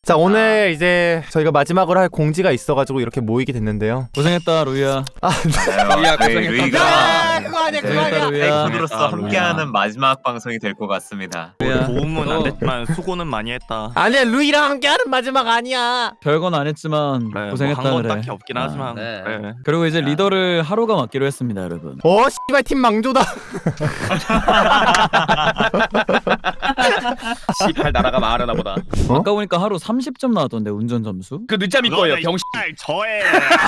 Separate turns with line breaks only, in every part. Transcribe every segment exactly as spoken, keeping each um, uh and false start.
자 오늘 이제 저희가 마지막으로 할 공지가 있어가지고 이렇게 모이게 됐는데요.
고생했다 루이야.
아
루이야
루이가
그거 아니야 그거
고생했다
아니야.
루이야.
팬으로서 함께하는 마지막 방송이 될 것 같습니다.
루이야.
도움은
어.
안 됐지만 수고는 많이 했다.
아니야 루이랑 함께하는 마지막 아니야.
별건 안 했지만
그래,
고생했다
뭐
그래.
한건 딱히 없긴
아,
하지만
네.
그래.
그리고 이제 리더를 하루가 맡기로 했습니다 여러분.
어 씨발 팀 망조다.
씨팔 나라가 망하려나 보다.
어?
아까 보니까 하루 삼십 점 나왔던데 운전 점수.
그 늦잠일 거예요 병신.
저의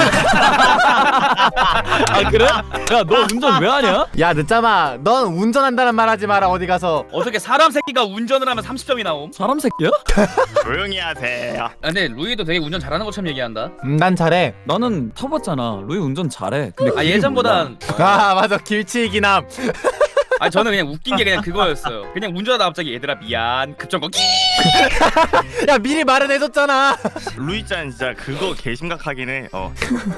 아 그래? 야 너 운전 왜 하냐?
야 늦잠아 넌 운전한다는 말 하지 마라 어디 가서.
어떻게 사람 새끼가 운전을 하면 삼십 점이 나옴?
사람 새끼야?
조용히 하세요.
아, 근데 루이도 되게 운전 잘하는 것처럼 얘기한다.
음, 난 잘해.
나는 타봤잖아. 루이 운전 잘해. 근데
아
길을
예전보단
아 맞아 길치기남.
아 저는 그냥 웃긴 게 그냥 그거였어요. 그냥 운전하다 갑자기 얘들아 미안 급정거 끼.
야 미리 말은 해줬잖아.
루이짠 진짜 그거 개심각하긴 해. 어.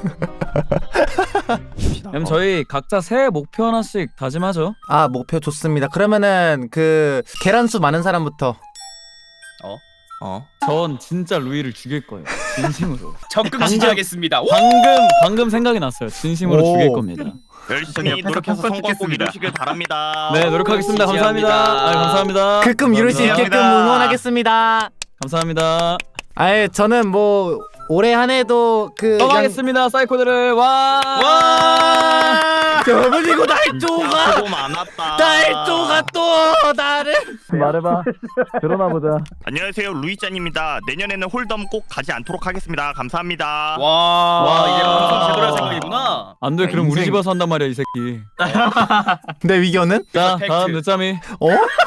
그럼 저희 각자 새해 목표 하나씩 다짐하죠.
아 목표 좋습니다. 그러면은 그 계란수 많은 사람부터.
어.
전 진짜 루이를 죽일 거예요. 진심으로.
적극 지지하겠습니다. 오!
방금 방금 생각이 났어요. 진심으로
오.
죽일 겁니다.
열심히
옆에서
노력해서
펑펑
성공 꼭
찍겠습니다.
이루시길 바랍니다.
네 노력하겠습니다. 감사합니다.
지지합니다.
아, 감사합니다.
크끔 이룰 수 있게끔
감사합니다.
응원하겠습니다.
감사합니다.
아예 저는 뭐 올해 한 해도 그
떠나겠습니다. 사이코들을 와.
와 저분이고 날
진짜
쪼가
수고 많았다.
날 쪼가 또 나를.
말해봐. 들어나 보자.
안녕하세요 루이짠입니다. 내년에는 홀덤 꼭 가지 않도록 하겠습니다. 감사합니다.
와,
와.
이제 방송 제대로 할 생각이구나.
안돼. 그럼 우리
인생.
집에서 한단 말이야 이 새끼.
내 위견은?
자
팩트.
다음 늦잠이.
어?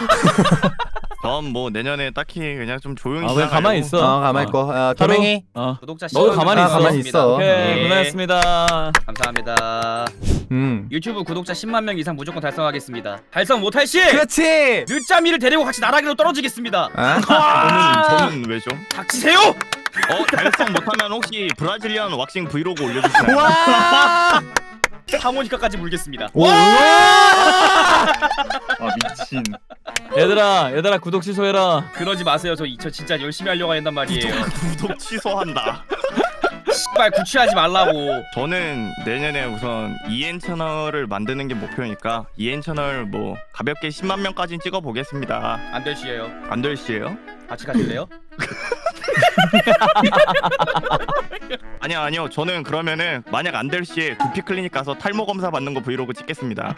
전 뭐 내년에 딱히 그냥 좀 조용히
아 그냥 가만히
지나가려고.
있어.
어 가만 있고 어, 도맹이.
어.
구독자
너도
십
가만히
아,
있어.
가만히 있어.
오케이
예.
고생했습니다.
감사합니다.
음
유튜브 구독자 십만 명 이상 무조건 달성하겠습니다. 달성 못할 시
그렇지.
늦잠이를 데리고 같이 나락으로 떨어지겠습니다.
아?
저는 저는 왜죠?
닥치세요!
어 달성 못하면 혹시 브라질리언 왁싱 브이로그 올려주시나요?
와.
하모니카까지 물겠습니다.
오.
아 미친.
얘들아 얘들아 구독 취소해라.
그러지 마세요. 저, 저 진짜 열심히 하려고 한단 말이에요.
구독 취소한다.
씨발 구취하지 말라고.
저는 내년에 우선 이엔 채널을 만드는 게 목표니까 이엔 채널 뭐 가볍게 십만 명까지 찍어 보겠습니다.
안 될 시에요.
안 될 시에요?
같이 가실래요?
아니요 아니요 저는 그러면은 만약 안 될 시에 두피 클리닉 가서 탈모 검사 받는 거 브이로그 찍겠습니다.